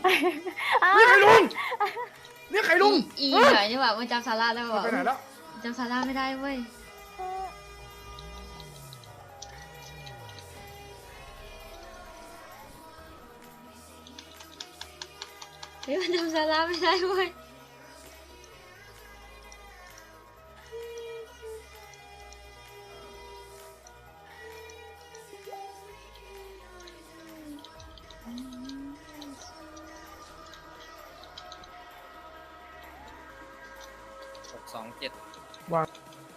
นี่ใครลุงนี่ใครลุงอีหน่อยนี่หว่ามันจำซาร่าได้ป่ะไปไหนแล้วจำซาร่าไม่ได้เว้ยเฮ้ยมันจำซาร่าไม่ได้เว้ย 627 วาง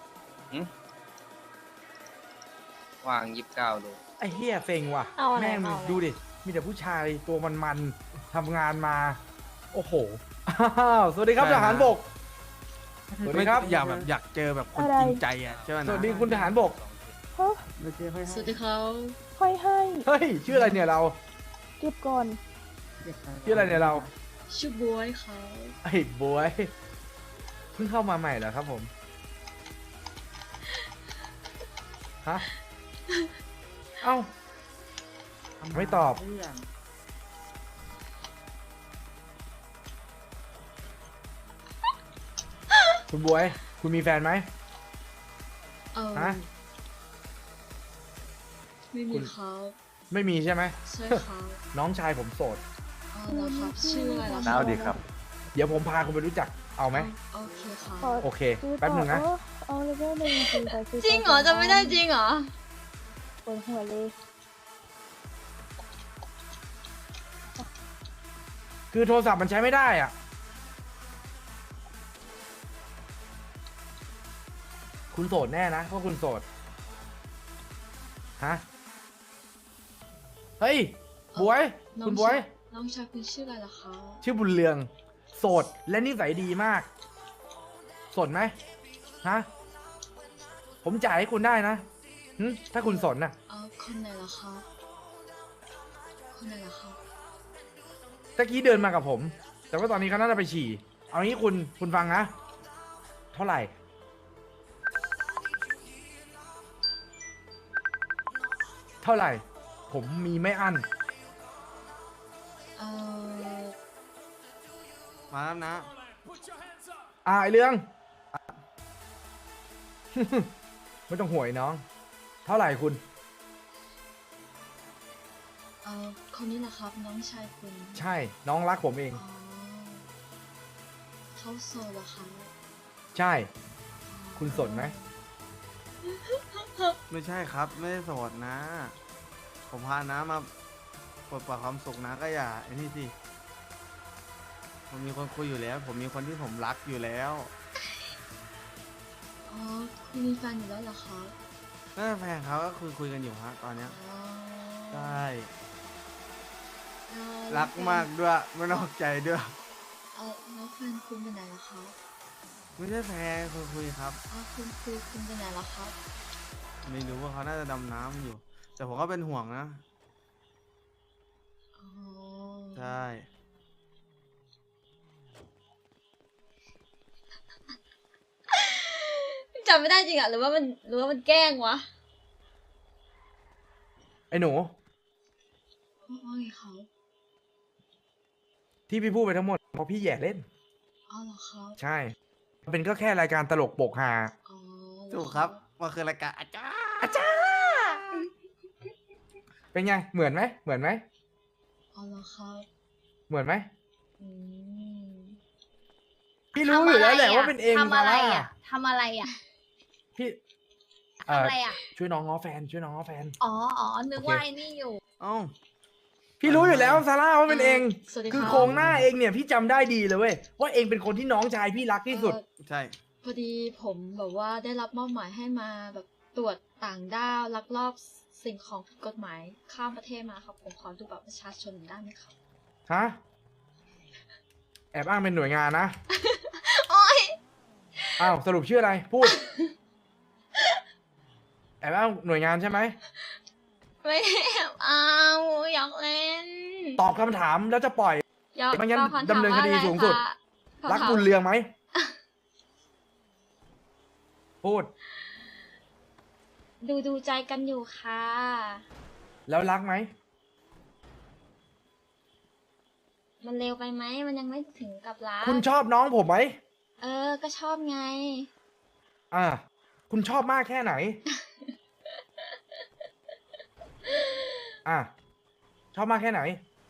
วาง29ดูไอ้เหี้ยเซ็งว่ะเอาอะไรแม่งเอาอะไรดูดิมีแต่ผู้ชายตัวมันๆทำงานมาโอ้โหอ้าวสวัสดีครับทหารบกสวัสดีครับอยากแบบอยากเจอแบบคนอะไรจริงใจอ่ะใช่ไหมสนะวัสดีคุณทหารบกฮะสวัสดีเขาค่อยให้เฮ้ยชื่ออะไรเนี่ยเราเก็บก่อนชื่ออะไรเนี่ยเราชื่อบวยเขาไอ้บวยเพิ่งเข้ามาใหม่เหรอครับผมฮะเอ้าไม่ตอบคุณบวยคุณมีแฟนไหม ฮะไม่มีเขาไม่มีใช่ไหมใช่เขาน้องชายผมโสดอ๋อเหรอครับชื่ออะไรล่ะน้าวดีครับเดี๋ยวผมพาคุณไปรู้จักเอาไหมโอเคค่ะขอโอเคซื้อแป๊บหนึ่งนะต่อเอาเลเวลหนึ่งจริงแต่ซื้อจริงเหรอจะไม่ได้จริงเหรอปวดหัวเลยคือโทรศัพท์มันใช้ไม่ได้อ่ะ คุณโสดแน่นะเพราะคุณโสด ฮะ เฮ้ย บวยน้องคุณบวยน้องชายคุณชื่ออะไรล่ะคะชื่อบุญเรือง โสด และนิสัยดีมาก สนไหมฮะ ผมจ่ายให้คุณได้นะหึถ้าคุณสนน่ะคนไหนล่ะคะคนไหนล่ะคะตะกี้เดินมากับผม แต่ว่าตอนนี้เขาน่าจะไปฉี่ เอางี้คุณฟังนะ เท่าไหร่ เท่าไหร่ ผมมีไม่อั้นเอ่อมาแล้วนะไอเรื่อง ไม่ต้องห่วยน้อง เท่าไหร่คุณคนนี้แหละครับน้องชายคุณใช่ น้องรักผมเองอ๋อเขาโซเหรอคะใช่ คุณสนไหมไม่ใช่ครับ ไม่ได้โสดนะ ผมพาน้ามาปลดปล่อยความสุขนะก็อย่าไอ้นี่สิผมมีคนคุยอยู่แล้ว ผมมีคนที่ผมรักอยู่แล้วอ๋อคุณมีแฟนอยู่แล้วเหรอคะนั่นแฟนเขาก็คุยกันอยู่ฮะตอนเนี้ยอ๋อใช่แล้วรักมากด้วยไม่นอกใจด้วยแล้วแฟนคุณไปไหนล่ะคะไม่ใช่แฟนคุยครับคุณไปไหนล่ะครับไม่รู้ว่าเขาน่าจะดำน้ำอยู่ แต่ผมก็เป็นห่วงนะอ๋อใช่จำไม่ได้จริงอะหรือว่ามันแกล้งวะไอ้หนูว่าไงเขาที่พี่พูดไปทั้งหมดเพราะพี่แย่เล่นอ๋อเหรอครับใช่ มันเป็นก็แค่รายการตลกโปกฮาอ๋อถูกครับมันคือรายการอาจารย์เป็นไง เหมือนไหม เหมือนไหมอ๋อเหรอครับเหมือนไหมอืมพี่รู้อยู่แล้วแหละว่าเป็นเองทำอะไรซาร่าอ่ะทำอะไรอ่ะพี่ทำอะไรอ่ะช่วยน้องง้อแฟน ช่วยน้องง้อแฟนอ๋อ นึกโอเคว่าไอ้นี่อยู่เอ้าพี่รู้อยู่แล้วซาร่าว่าเป็นเองสวัสดีคือรับโครงหน้าเองเนี่ยพี่จำได้ดีเลยเว้ยว่าเองเป็นคนที่น้องชายพี่รักที่สุดใช่พอดีผมแบบว่าได้รับมอบหมายให้มาแบบตรวจต่างด้าวลักลอบสิ่งของผิดกฎหมายข้ามประเทศมาครับผมขอดูบัตรประชาชนหน่อยได้ไหมครับฮะ แอบอ้างเป็นหน่วยงานนะโอ๊ยอ้าวสรุปชื่ออะไร พูด แอบอ้างหน่วยงานใช่ไหมไม่เอาอยากเล่นตอบคำถามแล้วจะปล่อยอยากไม่งั้นตอบคำถามดำเนินคดีว่าอะไรสูงสุดคะรักบุญเรืองไหม พูดดูใจกันอยู่ค่ะแล้วรักไหมมันเร็วไปไหมมันยังไม่ถึงกับรักคุณชอบน้องผมไหมก็ชอบไงอ่า คุณชอบมากแค่ไหน อ่ะ ชอบมากแค่ไหน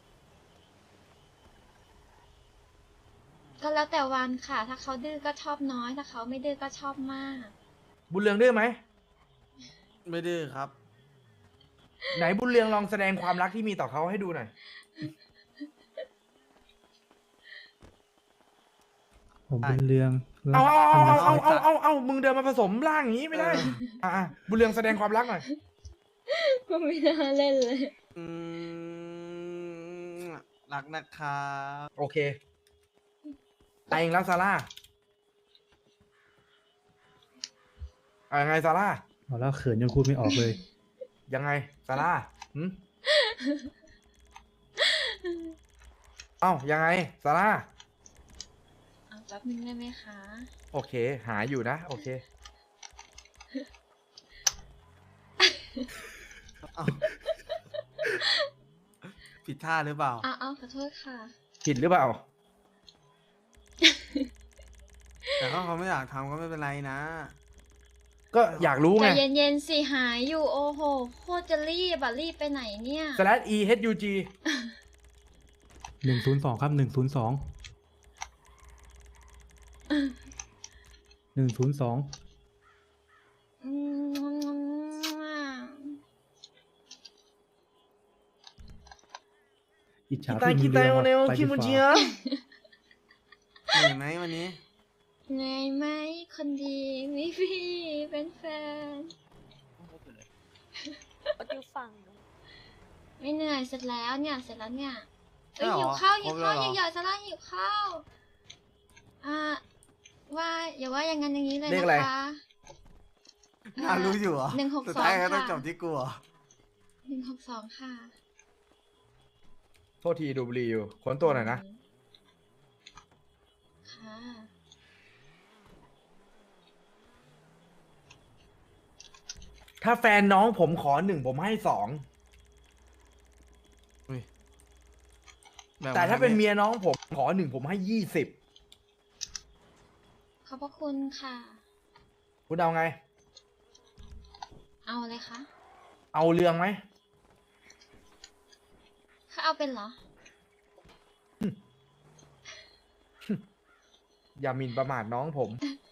ก็แล้วแต่วันค่ะ ถ้าเขาดื้อก็ชอบน้อย ถ้าเขาไม่ดื้อก็ชอบมากบุญเรืองดื้อไหมไม่ดื้อครับไหนบุญเรืองลองแสดงความรักที่มีต่อเขาให้ดูหน่อยผมเป็นเรืองเอาทำไมเอามึงเดินมาผสมร่างอย่างนี้ไม่ได้ อ่ะบุญเรืองแสดงความรักหน่อยก็ไม่น่าเล่นเลยอืมรักนะครับโอเคไปเองแล้วซาร่ายังไงซาร่าเอาแล้วเขินยังพูดไม่ออกเลยยังไงซาร่าหืมเอ้ายังไงซาร่าเอาแป๊บนึงได้ไหมคะโอเค หาอยู่นะ โอเคเอาผิดท่าหรือเปล่าเอาขอโทษค่ะผิดหรือเปล่าแต่ถ้าเขาไม่อยากทำก็ไม่เป็นไรนะก็อยากรู้ใจไงเย็นๆสิหายอยู่โอ้โหโคตรจะรีบอะรีบไปไหนเนี่ย /EHUG 102 ครับ 102 102 อืมอิจฉาคิตาพี่คิมีตาเรืองโอว่ะเนลไปคิดีมูกจิว่าอะเหนื่อยไหมวันนี้เหนื่อยไหมคนดีมีพี่เป็นแฟนอยู่ฝั่งไม่เหนื่อยเสร็จแล้วเนี่ยเสร็จแล้วเนี่ยใช่เหรอหิวข้าวครหิบวแล้วข้าวเหรอใหญ่ๆซะละหิวข้าวว่าอย่าว่าอย่างนั้นอย่างนี้เลยเลขนะอะไรคะน่ารู้อยู่เหรอ 162 สุดท้ายก็ต้องค่ะจบที่กูเหรอ 162ค่ะโทษทีดูบุหรีอยู่ค้นตัวหน่อยนะค่ะถ้าแฟนน้องผมขอ1ผมให้2 แบบแต่ถ้าเป็นนี้เมียน้องผมขอ1ผมให้20 ขอบพระคุณค่ะคุณเอาไงเอาเลยคะเอาเรืองไหมถ้าเอาเป็นเหรออย่าหมิ่นประมาทน้องผม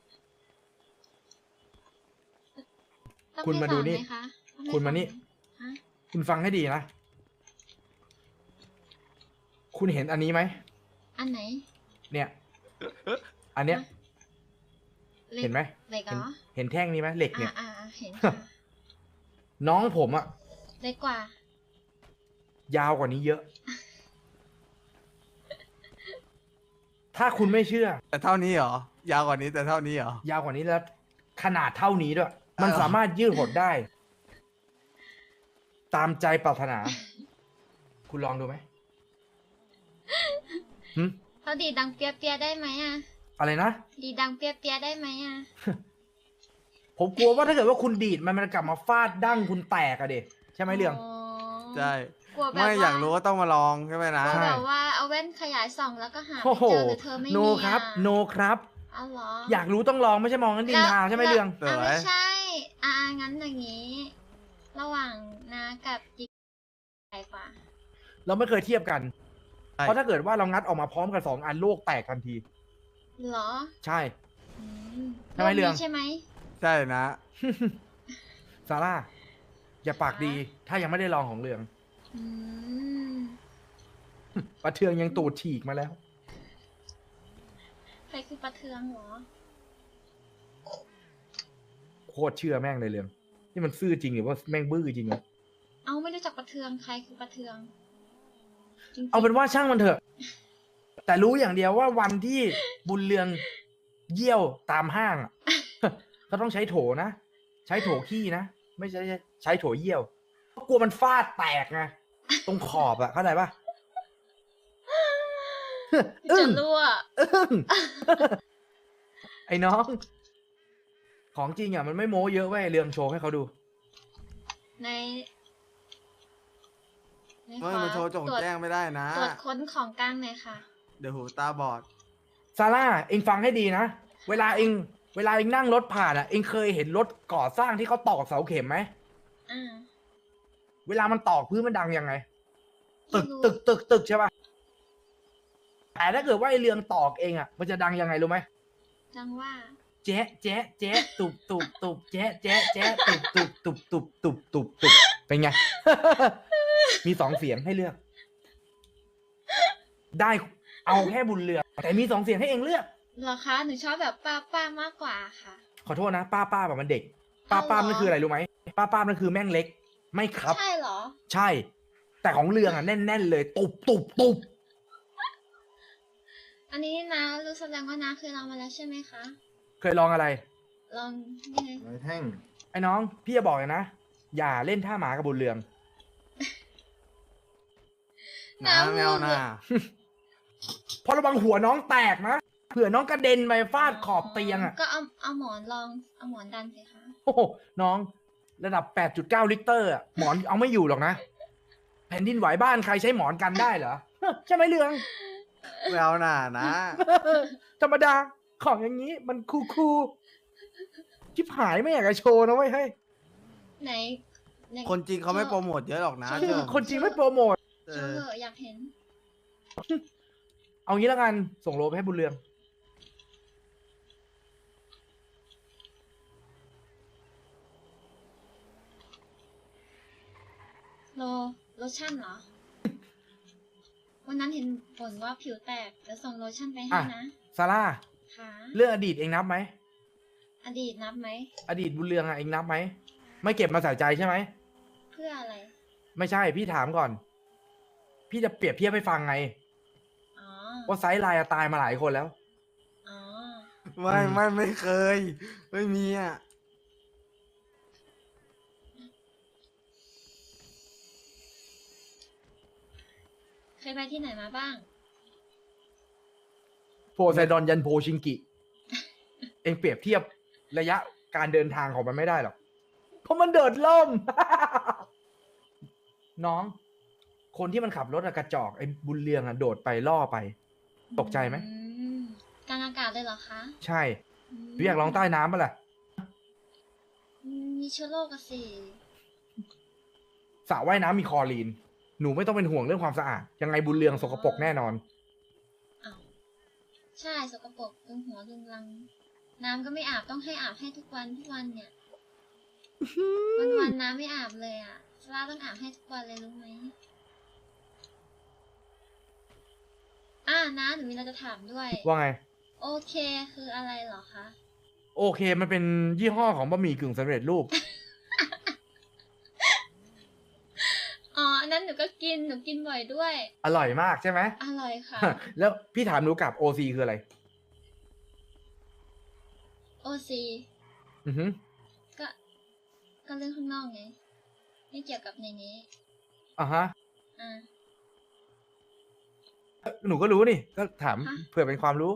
ต้องคุณให้มาดูสอนนี่ไหคะต้องให้คุณมานี่สอไหฮะคุณฟังให้ดีนะ คุณเห็นอันนี้ไหมอันไหนเนี่ย อันเนี้ยล็กเห็นไหมเหล็กเหรอเห็นแท่งนี้ไหมเหล็กเนี่ยเห็นค่ะน้องผมอะเล็กกว่ายาวกว่านี้เยอะ ถ้าคุณไม่เชื่อแต่เท่านี้เหรอ ยาวกว่านี้แต่เท่านี้เหรอยาวกว่านี้แล้ว ขนาดเท่านี้ด้วย มันเหรอสามารถยืดหดได้ ตามใจปรารถนา คุณลองดูไหมหึเขาดีดดังเปียๆได้ไหมอ่ะอะไรนะดีดดังเปียๆได้ไหมอ่ะผมกลัวว่าถ้าเกิดว่าคุณดีดมันกลับมาฟาดดั้งคุณแตกอะเด็ใช่ไหมเรื่องใช่กลัวแบบไม่ว่าอยากรู้ก็ต้องมาลองใช่ไหมนะกลัวใช่แบบว่าเอาแว่นขยายส่องแล้วก็หาโอ้ไม่โหเจอหรือเธอไม่มีโนครับ โนครับเอาเหรออยากรู้ต้องลองไม่ใช่มองกันดินทาใช่ไหมเรื่องสวยไม่ใช่ งั้นอย่างนี้ ระหว่างนากับจิ๊กใหญ่กว่าเราไม่เคยเทียบกันใช่เพราะถ้าเกิดว่าเรางัดออกมาพร้อมกัน2 อันโลกแตกทันทีเหรอใช่อืมทำไมเรื่องนี้ใช่ไหมใช่นะซาร่า อย่าปากดี ถ้ายังไม่ได้ลองของเรืองอืมประเทืองยังตูดฉีกมาแล้วใครคือประเทืองเหรอโคตรเชื่อแม่งเลยเรืองนี่มันซื่อจริงหรือว่าแม่งบื้อจริงวะเอาไม่รู้จักประเทืองใครคือประเทืองจริงๆเอาเป็นว่าช่างมันเถอะ แต่รู้อย่างเดียวว่าวันที่บุญเรืองเยี่ยวตามห้างอะ ก็ต้องใช้โถนะ ใช้โถขี้นะ ไม่ใช่ใช้โถเยี่ยวเพราะกลัวมันฟาดแตกไงตรงขอบอะเข้าใจปะ อึ้จะงรั่วอึ้ง ไอ้น้อง ของจริงอ่ะมันไม่โม้เยอะเว้ยเรืองโชว์ให้เขาดูในไหนเฮ้ยขอมาโชว์จงตรวจแจ้งไม่ได้นะตรวจค้นของกลางหน่อยค่ะเดี๋ยวหูตาบอดซาร่าเองฟังให้ดีนะ เวลาเองนั่งรถผ่านอ่ะ เองเคยเห็นรถก่อสร้างที่เขาตอกเสาเข็มไหมอ่าเวลามันตอกพื้นมันดังยังไง ตึไม่กรู้ตึกใช่ป่ะ แต่ถ้าเกิดว่าไอเรืองตอกเองอ่ะ มันจะดังยังไงรู้ไหมจังว่าแจ๊ะแจ๊ะแจ๊ะตุบแจ๊ะแจ๊ะแจ๊ะตุบเป็นไง มีสองเสียงให้เลือก ได้เอาแค่บุญเรืองแต่มีสองเสียงให้เองเลือกเหรอคะ หนูชอบแบบป้ามากกว่าค่ะขอโทษนะ ป้าแบบมันเด็ก ป้าเอาเหรอนั่นคืออะไรรู้ไหมป้านั่นคือแม่งเล็ก ไม่ครับใช่เหรอใช่ แต่ของเรืองอ่ะแน่นเลยตุบอันนี้นะรู้แสดงว่านะเคยลองมาแล้วใช่ไหมคะเคยลองอะไรลองนี่ไงไม้แท่งไอ้น้องพี่จะบอกเลยนะ อย่าเล่นท่าหมากับบุญเรืองน้าแมวน่าเพราะระวังหัวน้องแตกนะ เผื่อน้องกระเด็นไปฟาดขอบเตียงอ่ะก็เอาหมอนลอง เอาหมอนดันสิคะโอ้โหน้องระดับ 8.9 ลิตรอ่ะ หมอนเอาไม่อยู่หรอกนะ แผ่นดินไหวบ้านใครใช้หมอนกันได้เหรอ ใช่ไหมเรืองแมวน่านะธรรมดาของอย่างนี้มันคูชิบหายไม่อยากจะโชว์นะเว้ยเฮ้ยไหนไหนคนจริงเขาไม่โปรโมทเยอะหรอกนะใช่เชื่อคนจริงไม่โปรโมทเอโชว์อเหอะอยากเห็นเอางี้แล้วกันส่งโลไปให้บุญเรืองโลชั่นเหรอ วันนั้นเห็นผลว่าผิวแตกเดี๋ยวส่งโลชั่นไปให้อ่ะนะซาร่าค่ะเรื่องอดีตเองนับไหมอดีตนับไหมอดีตบุญเรืองอะเองนับไหม ไม่เก็บมาใส่ใจใช่ไหมเพื่ออะไรไม่ใช่พี่ถามก่อน พี่จะเปรียบเทียบให้ฟังไงอ๋อว่าไซส์ไลน์อะตายมาหลายคนแล้วอ๋อไม่เคย ไม่มีอ่ะเคยไปที่ไหนมาบ้างโพไซดอนยันโพชิงกิ เองเปรียบเทียบระยะการเดินทางของมันไม่ได้หรอก เพราะมันเดินล่ม น้อง คนที่มันขับรถอะกระจอกไอ้บุญเรืองอะโดดไปล่อไป ตกใจไหมอืมกลางอากาศเลยเหรอคะใช่พี่อยากลองใต้น้ำปะล่ะมีเชื้อโรคอะสิสระว่ายน้ำมีคลอรีน หนูไม่ต้องเป็นห่วงเรื่องความสะอาด ยังไงบุญเรืองสกปรกแน่นอนอ้าวใช่สกปรกดึงหัวดึงรัง น้ำก็ไม่อาบต้องให้อาบให้ทุกวันเนี่ย วันน้ำไม่อาบเลยอ่ะซาร่าต้องอาบให้ทุกวันเลยรู้ไหมนะหนูมีอะไรจะถามด้วยว่าไงโอเคคืออะไรเหรอคะโอเค มันเป็นยี่ห้อของบะหมี่กึ่งสำเร็จรูปอ๋ออันนั้นหนูก็กินหนูกินบ่อยด้วยอร่อยมากใช่ไหมอร่อยค่ะแล้วพี่ถามหนูกลับ OC คืออะไรโอซีอือหือก็เรื่องข้างนอกไง ไม่เกี่ยวกับในนี้อ่ะฮะอ่าหนูก็รู้นี่ ก็ถามฮะเผื่อเป็นความรู้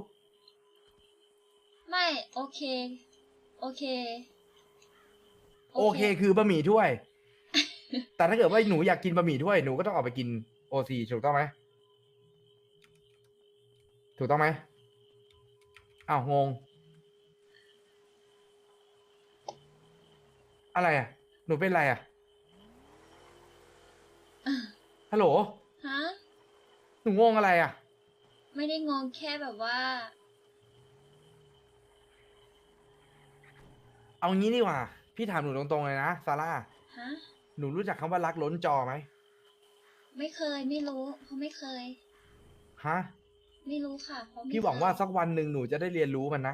ไม่โอเคโอเคคือบะหมี่ถ้วย แต่ถ้าเกิดว่าหนูอยากกินบะหมี่ถ้วย หนูก็ต้องออกไปกิน OC ถูกต้องไหม ถูกต้องไหมอ้าวงง อะไรอ่ะ หนูเป็นอะไรอ่ะ ฮัลโหลฮะหนูงงอะไรอ่ะไม่ได้งงแค่แบบว่าเอางี้ดีกว่า พี่ถามหนูตรงๆเลยนะซาร่าฮะหนูรู้จักคำว่ารักล้นจอไหมไม่เคยไม่รู้เพราะไม่เคยฮะไม่รู้ค่ะเพราะไม่พี่หวังว่าเคยสักวันหนึ่งหนูจะได้เรียนรู้มันนะ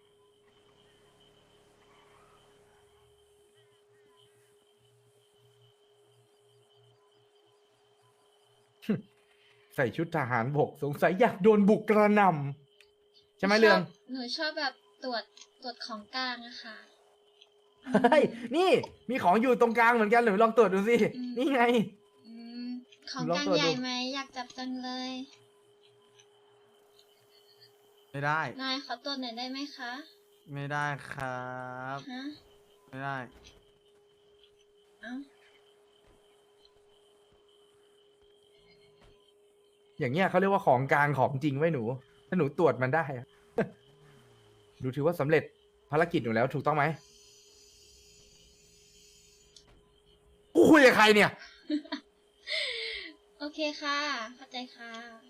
ใส่ชุดทหารบกสงสัยอยากโดนบุกกระหน่ำใช่ไหมเรืองหนูชอบแบบตรวจของกลางอะค่ะเฮ้ย นี่ มีของอยู่ตรงกลางเหมือนกันหรือลองตรวจดูสิอืมนี่ไงอืมของลองกลางตรวจดูใหญ่ไหมอยากจับจังเลยไม่ได้นายขอตรวจหน่อยได้ไหมคะไม่ได้ครับฮะไม่ได้เอ้าอย่างเงี้ยเขาเรียกว่าของกลางของจริงไว้หนู ถ้าหนูตรวจมันได้อะ หนูถือว่าสำเร็จภารกิจหนูแล้วถูกต้องไหมกูคุยกับใครเนี่ยโอเคค่ะ เข้าใจค่ะ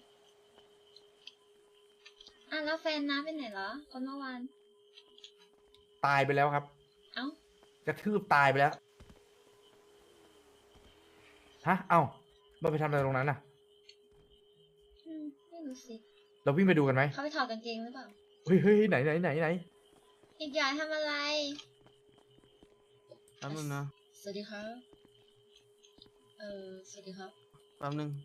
อ่ะแล้วแฟนน้าไปไหนเหรอ คนเมื่อวานตายไปแล้วครับเอ้ากระทืบตายไปแล้ว ฮะ เอ้ามันไปทำอะไรตรงนั้นน่ะไม่รู้สิเราวิ่งไปดูกันไหมเขาไปถอดกางเกงหรือเปล่าเฮ้ยเฮ้ยไหนไหนไหนไหนอีกอย่างทำอะไรแป๊บนึงนะสวัสดีครับ สวัสดีครับแป๊บนึง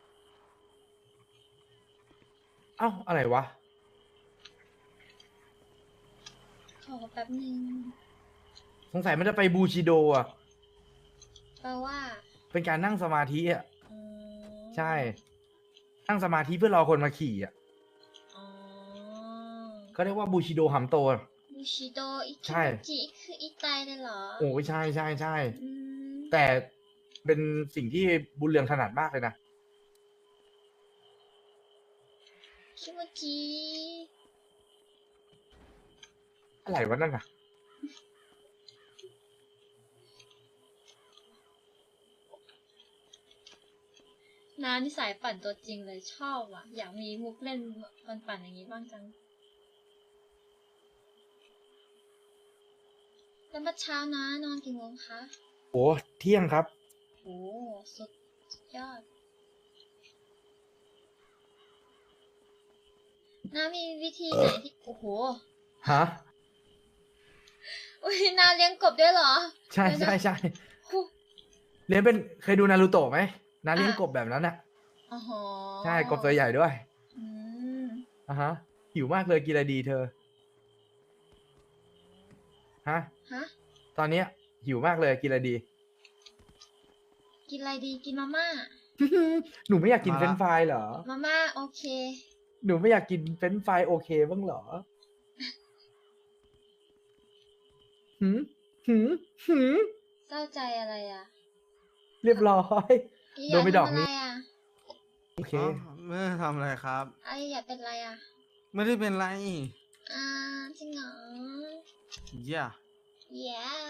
เอ้าอะไรวะขอแป๊บนึงสงสัยมันจะไปบูชิโดอ่ะแปลว่าเป็นการนั่งสมาธิอ่ะอ๋อใช่ นั่งสมาธิเพื่อรอคนมาขี่อ่ะอ๋อก็เรียกว่าบูชิโดหัมโตบูชิโดอิใช่คิจิคืออีไตเลยเหรอโอ้ยใช่ใช่ใช่อืมแต่เป็นสิ่งที่บุญเรืองถนัดมากเลยนะคิโมจิอะไรวะนั่นน่ะน้านี่สายปั่นตัวจริงเลยชอบอ่ะ อยากมีมุกเล่นปั่นๆอย่างนี้บ้างจัง แล้วเมื่อเช้านะนอนกี่โมงคะโอ้เที่ยงครับโอ้สุดยอดน้ามีวิธีไหนที่ โอ้โหฮะอุ้ยนาเลี้ยงกบด้วยเหรอใช่เดี๋ยวนะใช่ใช่โอ้เลี้ยงเป็นเคยดูนารูโตะไหมนาเลี้ยงอ่ะกบแบบนั้นน่ะโอ้โหใช่กบตัวใหญ่ด้วยอืมอ่ะฮะ หิวมากเลยกินอะไรดีเธอ ฮะฮะตอนเนี้ยหิวมากเลยกินอะไรดีกินอะไรดี กินมาม่าหนูไม่อยากกินมาละเฟรนช์ฟรายเหรอมาม่าโอเคหนูไม่อยากกินเฟรนช์ฟรายโอเคบ้างเหรอ หืมหืมหืมเศร้าใจอะไรอ่ะเรียบร้อยอีโดนไปดอกทำะนี้ไรอ่ะโอเคอ๋อไม่ได้ทำอะไรครับไออยากเป็นอะไรอ่ะไม่ได้เป็นไรอ่าจริงเหรอเย่า yeah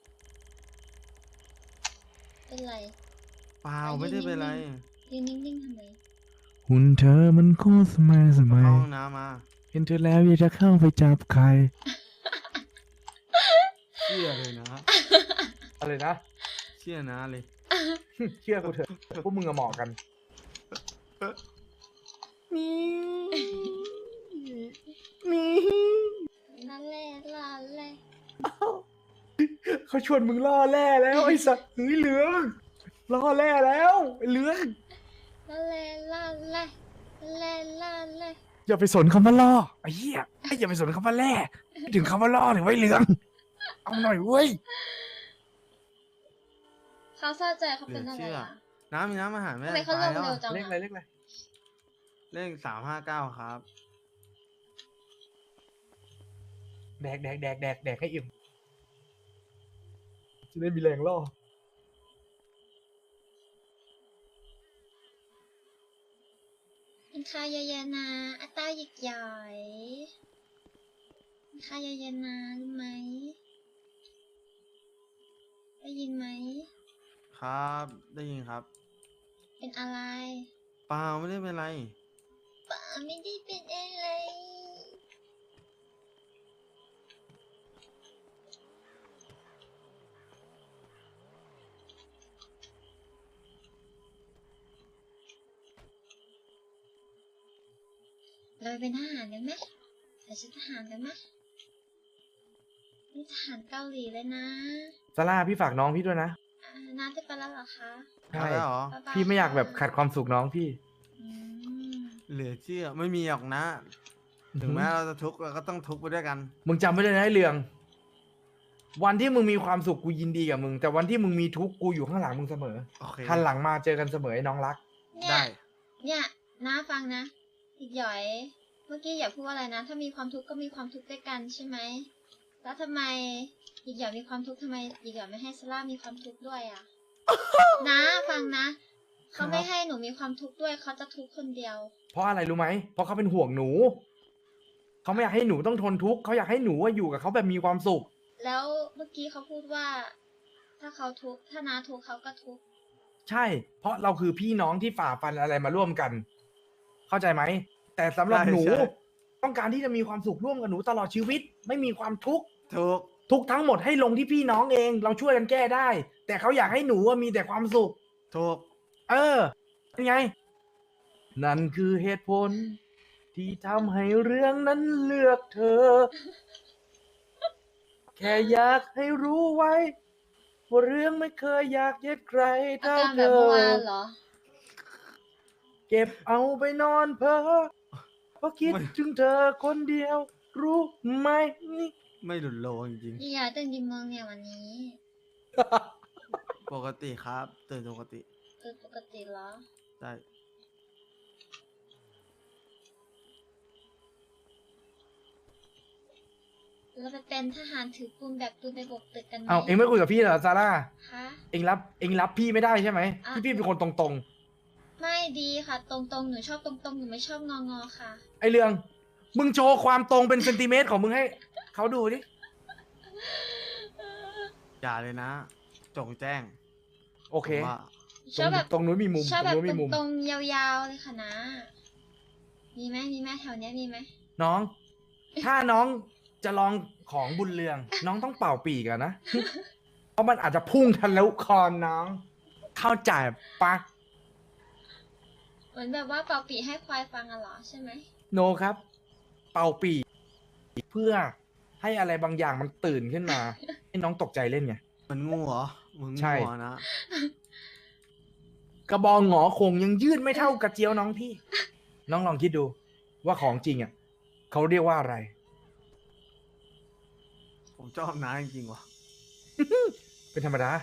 เป็นไรเปล่าไม่ได้เป็นไรยืนนิ่งๆทำไมหุ่นเธอมันโคตรสมัยสมัเข้าย ห้องน้ำมาเห็นเธอแล้วอยากจะเข้าไปจับใครเชื่อเลยนะอะไรนะเชื่อนะเลยเชื่อกูเถอะพวกมึงอะเหมาะกันนั่นแหละล่ะแหละเขาชวนมึงล่อแร่แล้วไอ้สัตว์เฮ้ยเหลืองล่อแร่แล้วไอ้เหลืองนั่นแหละล่ะแหละแหละล่ะแหละอย่าไปสนคำว่าล่อไอ้เหี้ยอย่าไปสนคำว่าแร่ไม่ถึงคำว่าล่อหนึ่งไว้ยเหลือง เอาหน่อยเว้ยเขาเศร้าใจเขาเป็นอะไรอ่ะน้ำมีน้ำอาหารไหมทำไมเขาลตายงแล้วเร็วอะจังเลขอะไรอะเลขอะไรเลข359ครับแดกให้อิ่มจะได้มีแรงล่อกินข้าวเยอะๆนะอาต้าหยิกหย่อยกินข้าวเยอะๆนะรู้ไหมได้ยินไหมครับ ได้ยินครับเป็นอะไรเปล่าไม่ได้เป็นไรป๋าไม่ได้เป็นอะไรเราไปเป็นทหารกันไหมใส่ชุดทหารกันไหมนี่ทหารเกาหลีเลยนะซาร่าพี่ฝากน้องพี่ด้วยนะน้าจะไปแล้วเหรอคะใช่ได้เหรอบ๊ายบายพี่ไม่อยากแบบค่ะขัดความสุขน้องพี่อืมเหลือเชื่อไม่มีหรอกนะ ถึงแม้เราจะทุกข์เราก็ต้องทุกข์ไปด้วยกันมึงจำไว้เลยนะไอ้เหลือง วันที่มึงมีความสุขกูยินดีกับมึง แต่วันที่มึงมีทุกข์กูอยู่ข้างหลังมึงเสมอโอเคหันหลังมาเจอกันเสมอไอ้น้องรักเนี่ยได้เนี่ยน้าฟังนะ อีกหย่อย เมื่อกี้อย่าพูดว่าอะไรนะ ถ้ามีความทุกข์ก็มีความทุกข์ด้วยกันใช่ไหม แล้วทำไมอีกหย่อยมีความทุกข์ทำไมอีกหย่อยไม่ให้ซาร่ามีความทุกข์ด้วยอ่ะ นะฟังนะเขาไม่ให้หนูมีความทุกข์ด้วยเขาจะทุกข์คนเดียวเพราะอะไรรู้ไหม เพราะเขาเป็นห่วงหนู เขาไม่อยากให้หนูต้องทนทุกข์เขาอยากให้หนูว่าอยู่กับเขาแบบมีความสุขแล้วเมื่อกี้เขาพูดว่า ถ้าเขาทุกข์ถ้าน้าทุกข์เขาก็ทุกข์ใช่ เพราะเราคือพี่น้องที่ฝ่าฟันอะไรมาร่วมกัน เข้าใจไหม แต่สำหรับใช่หนูใช่ต้องการที่จะมีความสุขร่วมกับหนูตลอดชีวิต ไม่มีความทุกข์ถูกทุกข์ทั้งหมดให้ลงที่พี่น้องเอง เราช่วยกันแก้ได้ แต่เขาอยากให้หนูว่ามีแต่ความสุขถูกเออเป็นไง นั่นคือเหตุผล ที่ทำให้เรื่องนั้นเลือกเธอ แค่อยากให้รู้ไว้ว่าเรื่องไม่เคยอยากเย็ดใครอาเท่าการเธแบบอเมื่อวานเหรอเก็บเอาไปนอนเพ้อเพราะคิดไม่ถึงเธอคนเดียว รู้ไหมนี่ไม่หลุดโลจริงพี่ยาตื่นกี่โมงเนี่ยวันนี้ๆปกติครับตื่นปกติตื่นปกติเหรอใช่เราไปเป็นทหารถือปืนแบบปืนไปบกตึกกันไหมเอาเองไม่คุยกับพี่เหรอซาร่าคะเองรับพี่ไม่ได้ใช่ไหมอ่ะที่พี่เป็นคนตรงไม่ดีค่ะ ตรงๆหนูชอบตรงๆหนูไม่ชอบงอๆค่ะๆ ไอเรื่อง มึงโชว์ความตรงเป็นเซนติเมตรของมึงให้เขาดูดิอย่าเลยนะ จงแจ้งโอเคผมว่าชอบแบบตรงนู้นมีมุมชอบตแบรงบนู้นมีมุมตรงๆยาวๆเลยค่ะนะ มีไหมแถวเนี้ยมีไหมน้อง ถ้าน้องจะลองของบุญเรือง น้องต้องเป่าปีกอะนะ เพราะมันอาจจะพุ่งทะลุคอน้อง เข้าใจปะเหมือนแบบว่าเป่าปีให้ควายฟังอะเหรอใช่ไหมโนครับ เป่าปีกเพื่อให้อะไรบางอย่างมันตื่นขึ้นมา ให้น้องตกใจเล่นไงมันงูเหรอ มึงใช่งูเหรอนะกระบองหงอคงยังยืดไม่เท่ากระเจียวน้องพี่ น้องลองคิดดู ว่าของจริงอ่ะเขาเรียกว่าอะไรผมชอบน้าจริงๆว่ะเป็นธรรมดา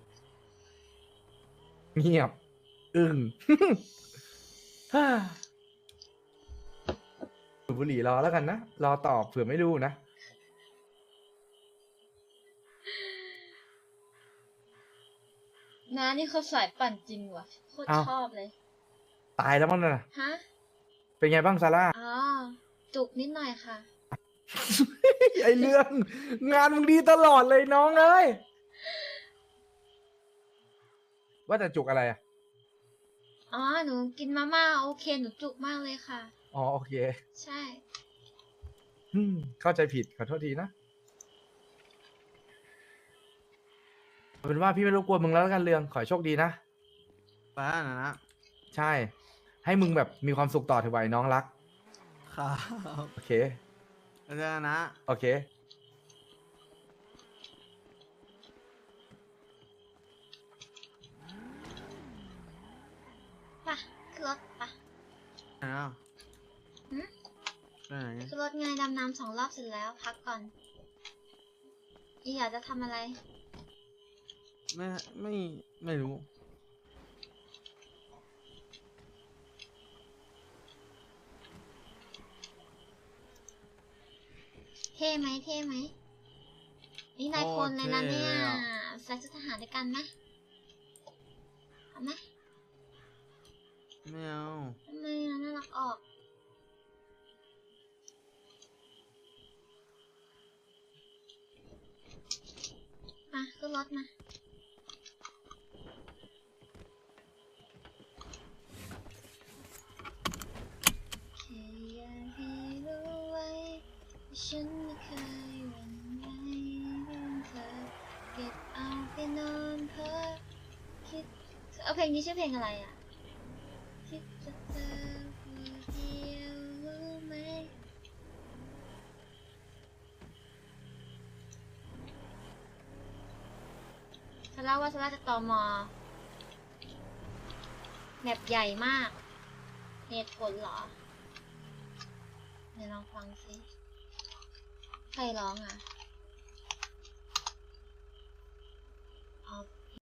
เงียบ อึ้ง ฮ่าสูบบุหรี่รอแล้วกันนะ รอตอบเผื่อไม่รู้นะน้านี่เขาสายปั่นจริงว่ะโคตรอ้าวชอบเลยตายแล้วมั้งน่ะฮะเป็นไงบ้างซาร่าอ๋อ จุกนิดหน่อยค่ะไอเรื่อง งานมึงดีตลอดเลยน้องเอ้ย ว่าแต่จุกอะไรอ่ะอ๋อ หนูกินมาม่าโอเค หนูจุกมากเลยค่ะอ๋อโอเคใช่เข้าใจผิดขอโทษทีนะเอาเป็นว่าพี่ไม่รบกวนมึงแล้วกันเรือง ขอให้โชคดีนะไปแล้วนะใช่ ให้มึงแบบมีความสุขต่อเถอะไว้น้องรักครับโอเคแล้วเจอกันนะโอเคไปขึ้นรถไปไหนอ่ะหืมไปไหนขึ้นรถไงดำน้ำ2 รอบเสร็จแล้ว พักก่อน อีอยากจะทำอะไรไม่รู้เท่ไหมเท่ไหม นี่นายพลเลยนะเนี่ย ใส่ชุดทหารด้วยกันไหมเอาไหมไม่เอาทำไมอะน่ารักออก มาขึ้นรถมา แค่อยากให้รู้ไว้ว่าฉันไม่เคยหวั่นไหวเรื่องเธอ เก็บเอาไปนอนเพ้อคิดเอาเพลงนี้ชื่อเพลงอะไรอ่ะ คิดจะเจอผู้เดียวรู้ไหม ฉันเล่าว่าฉันจะตมแมปใหญ่มาก เหตุผลเหรอ เดี๋ยวลองฟังสิ ใครร้องอ่ะ